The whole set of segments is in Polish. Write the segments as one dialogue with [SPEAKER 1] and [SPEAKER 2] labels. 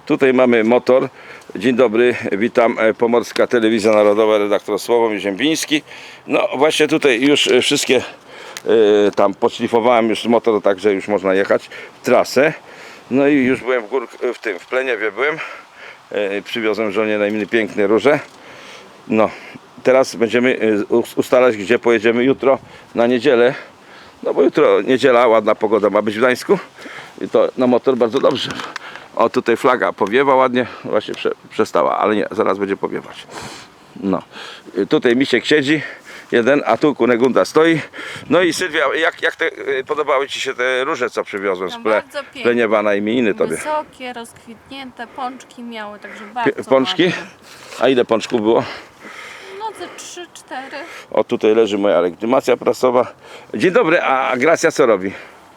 [SPEAKER 1] Tutaj mamy motor. Dzień dobry, witam, Pomorska Telewizja Narodowa, redaktor Sławomir Ziembiński. No właśnie tutaj już wszystkie tam podszlifowałem już motor, także już można jechać w trasę. No i już byłem w Pleniewie byłem. Przywiozłem żonie na imię piękne róże. No, teraz będziemy ustalać, gdzie pojedziemy jutro na niedzielę. No bo jutro niedziela, ładna pogoda ma być w Gdańsku. I to na motor bardzo dobrze. O, tutaj flaga powiewa ładnie, właśnie przestała, ale nie, zaraz będzie powiewać. No, tutaj misiek siedzi, jeden, a tu Kunegunda stoi. No i Sylwia, jak podobały Ci się te róże, co przywiozłem z Pleniewa na imieniny Tobie?
[SPEAKER 2] Wysokie, rozkwitnięte, pączki miały, także bardzo
[SPEAKER 1] Pączki?
[SPEAKER 2] ładne.
[SPEAKER 1] A ile pączków było?
[SPEAKER 2] No ze 3-4.
[SPEAKER 1] O, tutaj leży moja legitymacja prasowa. Dzień dobry, a Gracja co robi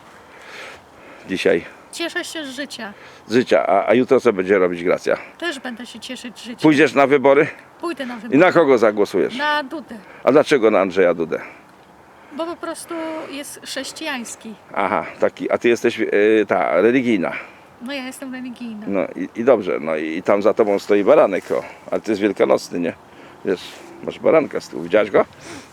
[SPEAKER 1] dzisiaj?
[SPEAKER 2] Cieszę się z życia.
[SPEAKER 1] Z życia, a jutro co będzie robić Gracja?
[SPEAKER 2] Też będę się cieszyć z życia.
[SPEAKER 1] Pójdziesz na wybory?
[SPEAKER 2] Pójdę na
[SPEAKER 1] I
[SPEAKER 2] wybory.
[SPEAKER 1] na kogo zagłosujesz?
[SPEAKER 2] Na Dudę.
[SPEAKER 1] A dlaczego na Andrzeja Dudę?
[SPEAKER 2] Bo po prostu jest chrześcijański.
[SPEAKER 1] Aha, taki, a ty jesteś ta religijna.
[SPEAKER 2] No ja jestem religijna.
[SPEAKER 1] No i dobrze, no i tam za tobą stoi baranek, o. Ale ty jest wielkanocny, nie? Wiesz, masz baranka z tyłu, widziałeś go?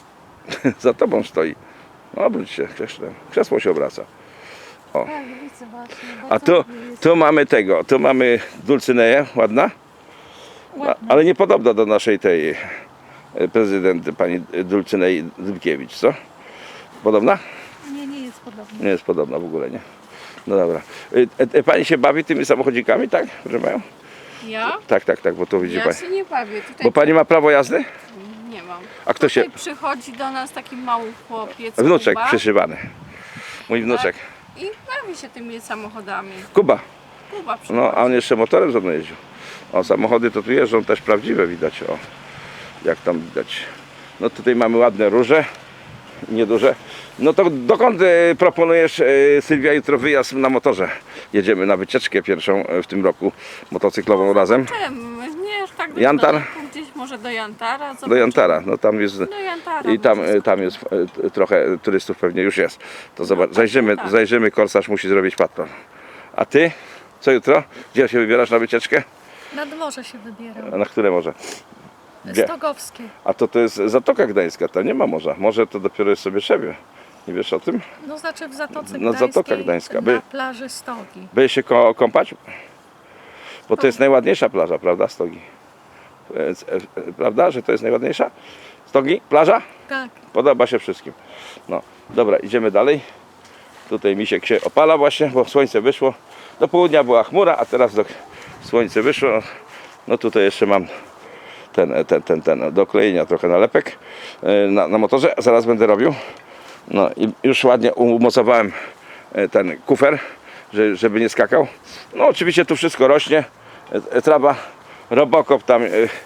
[SPEAKER 1] Za tobą stoi. No obróć się, krzesło się obraca. O.
[SPEAKER 2] Tak, widzę właśnie.
[SPEAKER 1] A tu mamy tego, tu mamy Dulcyneję, ładna?
[SPEAKER 2] Ładna.
[SPEAKER 1] Ale nie podobna do naszej tej prezydent pani Dulcynei Dybkiewicz, co? Podobna?
[SPEAKER 2] Nie jest podobna.
[SPEAKER 1] Nie jest podobna w ogóle, nie? No dobra. Pani się bawi tymi samochodzikami, tak? Proszę panią?
[SPEAKER 2] Ja?
[SPEAKER 1] Tak, bo to widzi
[SPEAKER 2] Ja
[SPEAKER 1] pani.
[SPEAKER 2] się nie bawię. Tutaj
[SPEAKER 1] Bo pani ma prawo jazdy?
[SPEAKER 2] nie mam.
[SPEAKER 1] A kto się...
[SPEAKER 2] Tutaj przychodzi do nas taki mały chłopiec.
[SPEAKER 1] Wnuczek
[SPEAKER 2] Kuba,
[SPEAKER 1] przyszywany. Mój wnuczek.
[SPEAKER 2] i bawi się tymi samochodami.
[SPEAKER 1] Kuba.
[SPEAKER 2] Kuba przychodzi.
[SPEAKER 1] No, a on jeszcze motorem ze mną jeździł. O, samochody to tu jeżdżą też prawdziwe, widać. O, jak tam widać. No tutaj mamy ładne róże. Nieduże. No to dokąd proponujesz, Sylwia, jutro wyjazd na motorze? Jedziemy na wycieczkę pierwszą w tym roku motocyklową razem.
[SPEAKER 2] Czym? Nie, tak dość
[SPEAKER 1] Jantar?
[SPEAKER 2] daleko, gdzieś może do Jantara.
[SPEAKER 1] Do
[SPEAKER 2] Zobaczymy.
[SPEAKER 1] Jantara. No tam jest...
[SPEAKER 2] Do Jantara.
[SPEAKER 1] I tam jest trochę turystów pewnie już jest. To zobacz,
[SPEAKER 2] tak.
[SPEAKER 1] zajrzymy, korsarz musi zrobić patrol. A ty? Co jutro? Gdzie się wybierasz na wycieczkę?
[SPEAKER 2] Nad morze się wybieram.
[SPEAKER 1] A na które morze? Gdzie?
[SPEAKER 2] Stogowskie.
[SPEAKER 1] A to jest Zatoka Gdańska, tam nie ma morza. Morze to dopiero jest sobie Szebie. Nie wiesz o tym?
[SPEAKER 2] No znaczy w Zatoce
[SPEAKER 1] No,
[SPEAKER 2] Gdańskiej,
[SPEAKER 1] Zatoka Gdańska.
[SPEAKER 2] na plaży Stogi.
[SPEAKER 1] Byłeś się kąpać? Bo to jest najładniejsza plaża, prawda? Stogi. Prawda, że to jest najładniejsza? Stogi? Plaża?
[SPEAKER 2] Tak.
[SPEAKER 1] Podoba się wszystkim. No, dobra, idziemy dalej. Tutaj misiek się opala właśnie, bo słońce wyszło. Do południa była chmura, a teraz słońce wyszło. No tutaj jeszcze mam ten do klejenia trochę nalepek na motorze. Zaraz będę robił. No i już ładnie umocowałem ten kufer, żeby nie skakał. No oczywiście tu wszystko rośnie. Trawa, robokop tam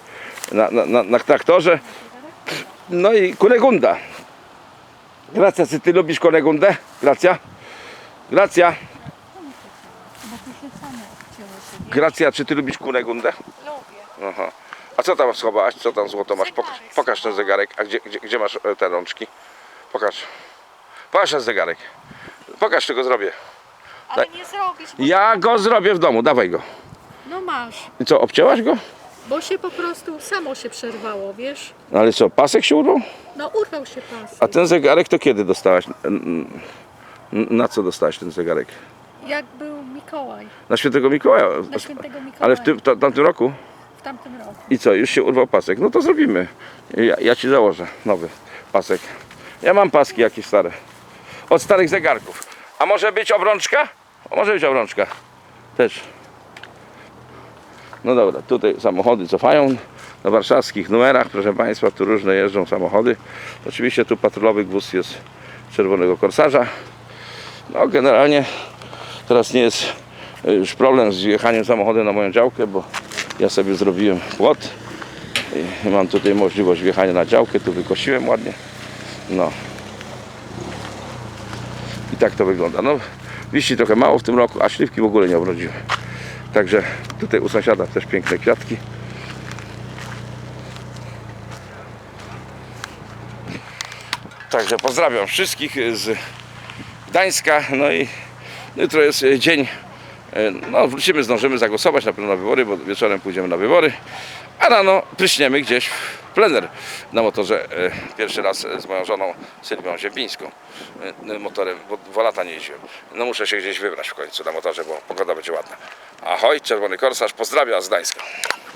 [SPEAKER 1] na traktorze. No i Kunegunda. Gracja, czy ty lubisz Kunegundę? Gracja? Gracja?
[SPEAKER 2] Bo tu się same obcięły sobie.
[SPEAKER 1] Gracja, czy ty lubisz Kunegundę?
[SPEAKER 2] Lubię.
[SPEAKER 1] Aha. A co tam schowałaś? Co tam złoto masz? Pokaż ten zegarek. A gdzie masz te rączki? Pokaż. Pokaż ten zegarek. Pokaż, czy go zrobię.
[SPEAKER 2] Ale nie zrobisz. Bo...
[SPEAKER 1] Ja go zrobię w domu, dawaj go.
[SPEAKER 2] No masz.
[SPEAKER 1] I co, obcięłaś go?
[SPEAKER 2] Bo się po prostu samo się przerwało, wiesz?
[SPEAKER 1] No ale co, pasek się urwał?
[SPEAKER 2] No urwał się pas.
[SPEAKER 1] A ten zegarek to kiedy dostałaś? Na co dostałaś ten zegarek?
[SPEAKER 2] Jak był Mikołaj.
[SPEAKER 1] Na Świętego Mikołaja.
[SPEAKER 2] Na świętego Mikołaja.
[SPEAKER 1] Ale w tamtym roku?
[SPEAKER 2] W tamtym roku.
[SPEAKER 1] I co, już się urwał pasek? No to zrobimy. Ja ci założę nowy pasek. Ja mam paski jakieś stare. Od starych zegarków. A może być obrączka? Może być obrączka. Też. No dobra, tutaj samochody cofają na warszawskich numerach, proszę Państwa, tu różne jeżdżą samochody. Oczywiście tu patrolowy gwóźdź jest czerwonego korsarza. No generalnie teraz nie jest już problem z wjechaniem samochodem na moją działkę, bo ja sobie zrobiłem płot i mam tutaj możliwość wjechania na działkę, tu wykosiłem ładnie. No i tak to wygląda. No liści trochę mało w tym roku, a śliwki w ogóle nie obrodziły. Także tutaj u sąsiada też piękne kwiatki. Także pozdrawiam wszystkich z Gdańska. No i jutro jest dzień No wrócimy, zdążymy zagłosować na pewno na wybory, bo wieczorem pójdziemy na wybory, a rano pryśniemy gdzieś w plener na motorze. Pierwszy raz z moją żoną Sylwią Ziembińską motorem, bo 2 lata nie jeździłem. No muszę się gdzieś wybrać w końcu na motorze, bo pogoda będzie ładna. Ahoj, Czerwony Korsarz, pozdrawia z Gdańska.